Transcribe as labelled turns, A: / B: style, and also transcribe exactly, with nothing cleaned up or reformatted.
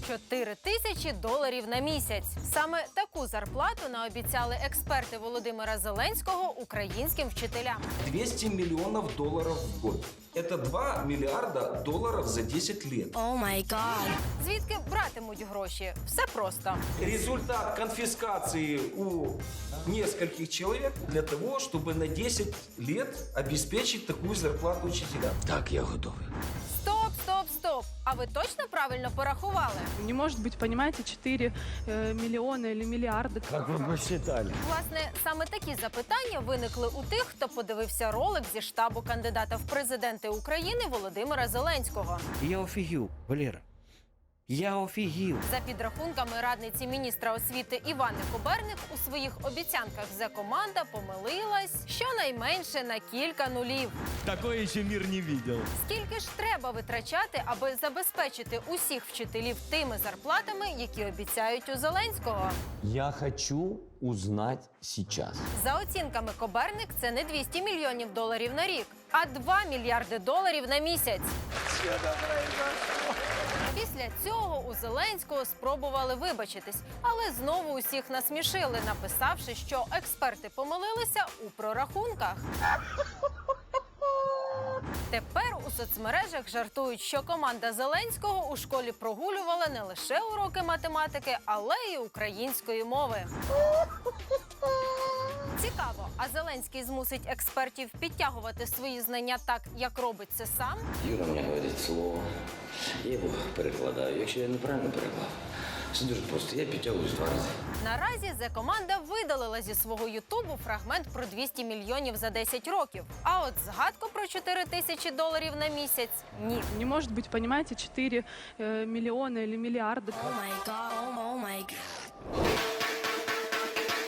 A: чотири тисячі доларів на місяць. Саме таку зарплату наобіцяли експерти Володимира Зеленського українським вчителям.
B: двести миллионов долларов в год. Это два миллиарда долларов за десять лет.
C: О май гад.
A: Звідки братимуть гроші? Все просто.
B: Результат конфискации у нескольких человек для того, чтобы на десять лет обеспечить такую зарплату учителям.
D: Так, я готовий.
A: Стоп, стоп, стоп! А ви точно правильно порахували?
E: Не может быть, понимаете, четыре э, миллиона или миллиарда.
D: Как ви посчитали?
A: Власне, саме такі запитання виникли у тих, хто подивився ролик зі штабу кандидата в президенти України Володимира Зеленського.
F: Я офігів, Валера. Я офігів.
A: За підрахунками радниці міністра освіти Івани Коберник, у своїх обіцянках Зе-команда помилилась щонайменше на кілька нулів.
G: Такое ще мир не видел.
A: Скільки ж треба витрачати, аби забезпечити усіх вчителів тими зарплатами, які обіцяють у Зеленського?
D: Я хочу узнать сейчас.
A: За оцінками Коберник, це не двісті мільйонів доларів на рік, а два мільярди доларів на місяць. Після цього у Зеленського спробували вибачитись, але знову усіх насмішили, написавши, що експерти помилилися у прорахунках. Тепер у соцмережах жартують, що команда Зеленського у школі прогулювала не лише уроки математики, але й української мови. Цікаво, а Зеленський змусить експертів підтягувати свої знання так, як робить це сам?
H: Юра мені говорить слово, я його перекладаю. Якщо я неправильно переклав, все дуже просто, я підтягуюсь два рази.
A: Наразі Зе-команда видалила зі свого ютубу фрагмент про двісті мільйонів за десять років. А от згадку про чотири тисячі доларів на місяць – ні.
E: Не может быть, понимаете, четыре э, миллиона или миллиарда.
C: О май гад.